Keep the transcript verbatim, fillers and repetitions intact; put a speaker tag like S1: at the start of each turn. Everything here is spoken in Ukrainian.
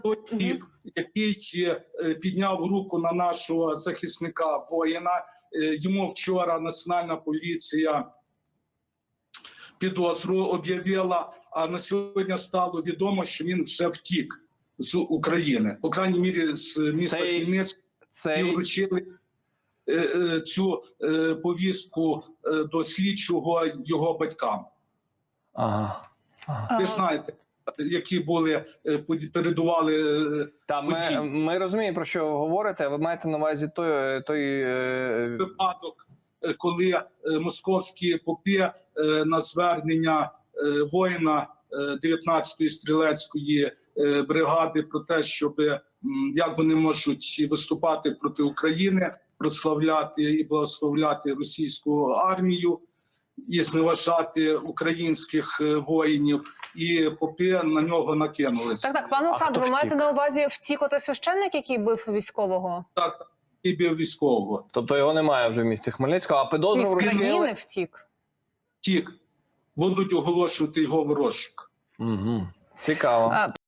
S1: той тип, який е, підняв руку на нашого захисника воїна. Е, йому вчора Національна поліція підозру об'явила, а на сьогодні стало відомо, що він вже втік з України. По крайній мірі, з міста
S2: Цей...
S1: Хмельницького
S2: Цей...
S1: і вручили е, е, цю е, повістку е, до слідчого його батькам.
S2: Ага. Ага.
S1: Ви ж знаєте, які були, е, передували е,
S2: Та, ми, ми розуміємо, про що ви говорите. Ви маєте на увазі той... той е...
S1: випадок, коли е, московські попи е, на звернення е, воїна е, дев'ятнадцятої стрілецької е, бригади про те, щоб м, як вони можуть виступати проти України, прославляти і благословляти російську армію і зневажати українських е, воїнів, і попи на нього накинулися.
S3: Так, так, пане Олександр, ви маєте на увазі втік отой священник, який бив військового?
S1: Так, і бив військового.
S2: Тобто його немає вже в місті Хмельницького, а підозру
S3: З країни
S2: вручили?
S3: втік?
S1: Втік. Будуть оголошувати його в розшук.
S2: Угу. Цікаво.